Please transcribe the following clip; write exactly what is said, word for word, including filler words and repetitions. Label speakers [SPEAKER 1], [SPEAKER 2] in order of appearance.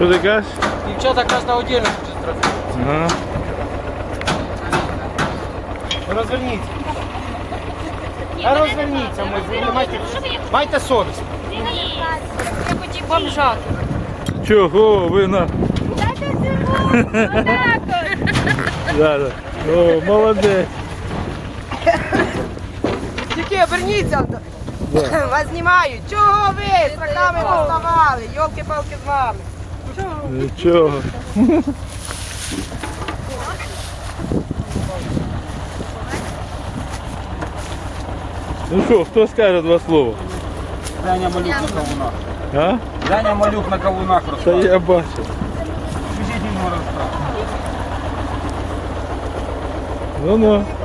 [SPEAKER 1] Що ти кажеш?
[SPEAKER 2] Дівчата кожна отдельно хоче трофей.
[SPEAKER 1] Ага.
[SPEAKER 2] Розверніться. А розверніться, ми майте, майте совість.
[SPEAKER 3] Я хотів бомжати.
[SPEAKER 1] Чого ви на...
[SPEAKER 3] Дайте цього! Отак от!
[SPEAKER 1] Да, да. О, молодець.
[SPEAKER 4] Тільки оберніться, вас знімають. Чого ви з руками доставали? Йолки-палки з вами.
[SPEAKER 1] Нічого. Ну що, хто скаже два слова?
[SPEAKER 2] Даня Малюк на кавунах.
[SPEAKER 1] А?
[SPEAKER 2] Даня Малюк на кавунах
[SPEAKER 1] Та
[SPEAKER 2] розказує.
[SPEAKER 1] я бачу.
[SPEAKER 2] Біжіть йому розказує.
[SPEAKER 1] Ну-ну.